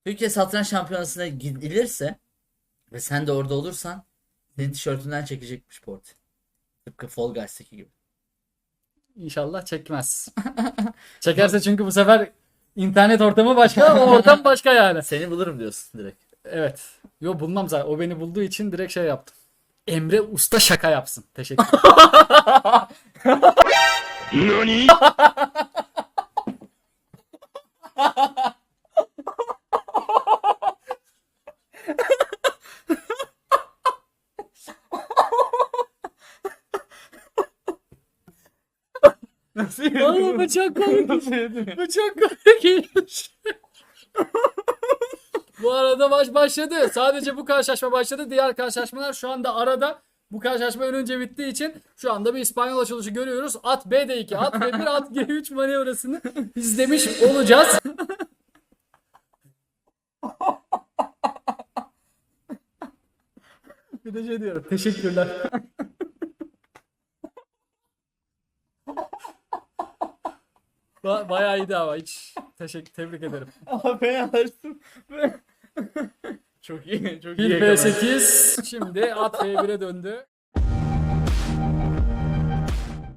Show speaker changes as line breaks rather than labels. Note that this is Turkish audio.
Türkiye Satranç Şampiyonası'na gidilirse ve sen de orada olursan senin tişörtünden çekecekmiş Porti. Tıpkı Fall Guys'taki gibi.
İnşallah çekmez. Çekerse çünkü bu sefer internet ortamı başka, o ortam başka yani.
Seni bulurum diyorsun direkt.
Evet. Yo, bulmam zaten. O beni bulduğu için direkt şey yaptım. Emre Usta şaka yapsın. Teşekkür ederim.
Nasıl
Vallahi bu çok komik. Bu çok komik. Bu arada maç başladı. Sadece bu karşılaşma başladı. Diğer karşılaşmalar şu anda arada. Bu karşılaşma önce bittiği için şu anda bir İspanyol açılışı görüyoruz. At B'de 2, at B1, at G3 manevrasını izlemiş olacağız. Bir de şey diyorum. Teşekkürler. Bayağı iyiydi ama hiç tebrik ederim.
Ama ben açtım. Çok iyi. Çok iyi.
Fil B8 şimdi at B1'e döndü.